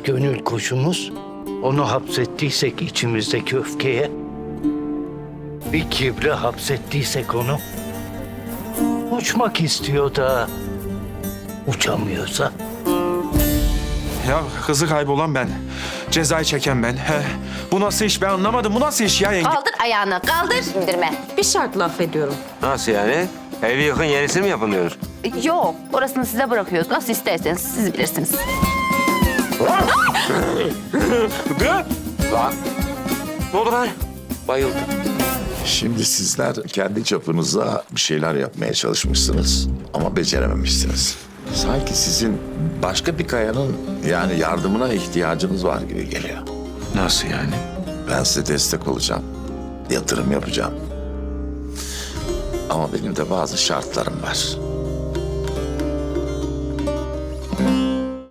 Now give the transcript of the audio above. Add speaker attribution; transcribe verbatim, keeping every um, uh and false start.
Speaker 1: gönül kuşumuz, onu hapsettiysek içimizdeki öfkeye, bir kibre hapsettiysek onu, uçmak istiyor da uçamıyorsa.
Speaker 2: Ya kızı kaybolan ben. Cezayı çeken ben. He. Bu nasıl iş ben anlamadım. Bu nasıl iş ya yenge?
Speaker 3: Kaldır ayağını, kaldır. İndirme.
Speaker 4: Bir şartla affediyorum.
Speaker 5: Nasıl yani? Evi yıkın yenisini mi yapılıyor?
Speaker 3: Yok, orasını size bırakıyoruz. Nasıl isterseniz siz bilirsiniz.
Speaker 5: Lan! Ne oldu lan? Bayıldım.
Speaker 6: Şimdi sizler kendi çapınıza bir şeyler yapmaya çalışmışsınız ama becerememişsiniz. Sanki sizin başka bir kayanın yani yardımına ihtiyacınız var gibi geliyor.
Speaker 2: Nasıl yani?
Speaker 6: Ben size destek olacağım, yatırım yapacağım. Ama benim de bazı şartlarım var.